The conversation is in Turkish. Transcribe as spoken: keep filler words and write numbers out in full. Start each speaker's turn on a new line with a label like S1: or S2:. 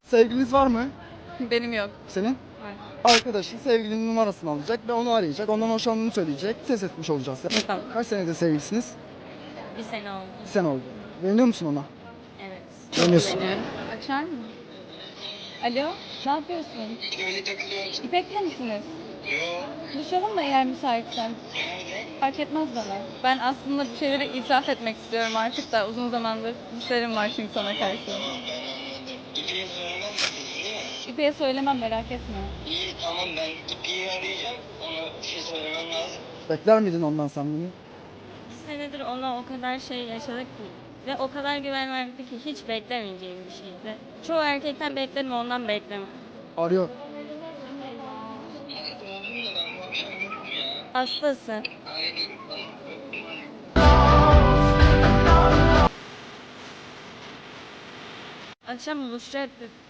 S1: Sevgiliniz var mı?
S2: Benim yok.
S1: Senin?
S2: Var.
S1: Arkadaşın sevgilinin numarasını alacak ve onu arayacak. Ondan hoşlandığını söyleyecek. Ses etmiş olacağız.
S2: Tamam.
S1: Kaç senedir sevgilisiniz?
S2: Bir sene oldu.
S1: Bir sene oldu. Güveniyor musun ona?
S2: Evet.
S1: Güveniyorsun.
S2: Açar mı? Alo, ne yapıyorsun? İpek'le misiniz? Yok. Buluşalım mı eğer müsaitsen? Fark etmez bana. Ben aslında bir şeyleri itiraf etmek istiyorum artık da uzun zamandır hislerim var çünkü sana karşı.
S3: İpeyi söylemezsiniz değil mi?
S2: İpek'e söylemem, merak etme.
S3: İyi tamam, ben İpeyi arayacağım. Ona bir şey söylemem lazım.
S1: Bekler miydin ondan sen bunu?
S4: Bir senedir ona o kadar şey yaşadık ki ve o kadar güven verdi ki hiç beklemeyeceğim bir şeydi. Çoğu erkekten beklerim, ondan bekleme.
S1: Arıyor.
S4: Hastası. Akşam buluşacaktık.